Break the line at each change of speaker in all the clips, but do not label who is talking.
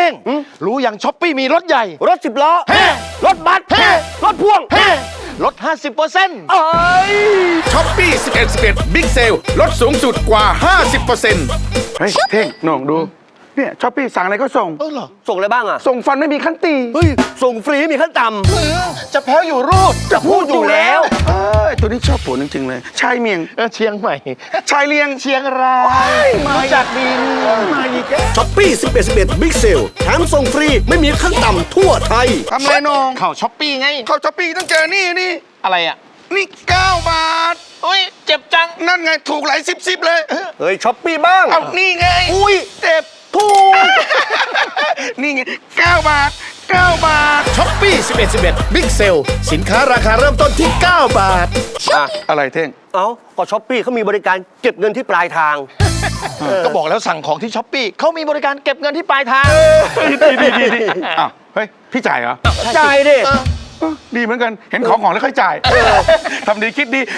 งรู้อย่างช้อปปี้มีรถใหญ่
รถ10 ล้อรถบัสรถพ่วง
ลด 50%
ช้อปปี้11บิ๊กเซลลดสูงสุดกว่า 50%
เฮ้ยเท่งน้องดูเนี่ยช้อปปี้สั่งอะไรก็ส่ง
เหรอ
ส่งอะไรบ้างอ่ะ
ส่งฟันไม่มีขั้นตี
เฮ้ยส่งฟรีมีขั้นต่
จะแพ้วอยู่รูด
ำจะพูดอยู่แล้ว
ตัวนี้ชอบผัวจริงๆเลยชายเมียง
เชียงใหม่
ชายเลียง
เชียงรายมาจากดินมาอีกแล้ว
ช้อปปี้11บิ๊กเซลแถมส่งฟรีไม่มีขั้นต่ำทั่วไทย
ทำไรน้อง
เข้าช้อปปี้ไง
เข้าช้อปปี้ต้องเจอนี่
อะไรอ่ะ
นี่9 บาท
เฮ้ยเจ็บจัง
นั่นไงถูกหลาย10เลย
เฮ้ยช้อปปี้บ้าง
เอานี่ไง
อุ้ย
เจ็บ
ถูก
นี่ไง9 บาท 9 บาท
ช้อปปี้11บิ๊กเซลสินค้าราคาเริ่มต้นที่ 9 บาท
อะไรเท่ง
เอ้าก็ช้อปปี้เขามีบริการเก็บเงินที่ปลายทาง
ก็บอกแล้วสั่งของที่ช้อปปี้เขามีบริการเก็บเงินที่ปลายทาง
อ้าวเฮ้ยพี่จ่ายเหรอ
จ่ายดิ
ดีเหมือนกันเห็นของแล้วค่อยจ่ายทำดีคิดดี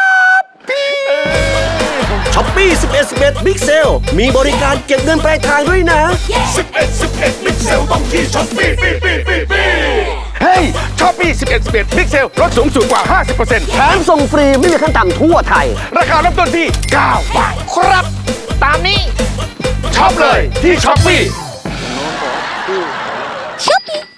ช้อปปี้11บิ๊กเซลมีบริการเก็บเงินปลายทางด้วยนะ
11บิ๊กเซลต้องที่ช้อปปี้
เฮ้ยช้อปปี้11บิ๊กเซลลดสูงสุดกว่า 50%
แถมส่งฟรีไม่มีขั้นต่ำทั่วไทย
ราคาเริ่มต้นที่9 บาท
ครับ ตามนี้
ช็อปเลยที่ช้อปปี้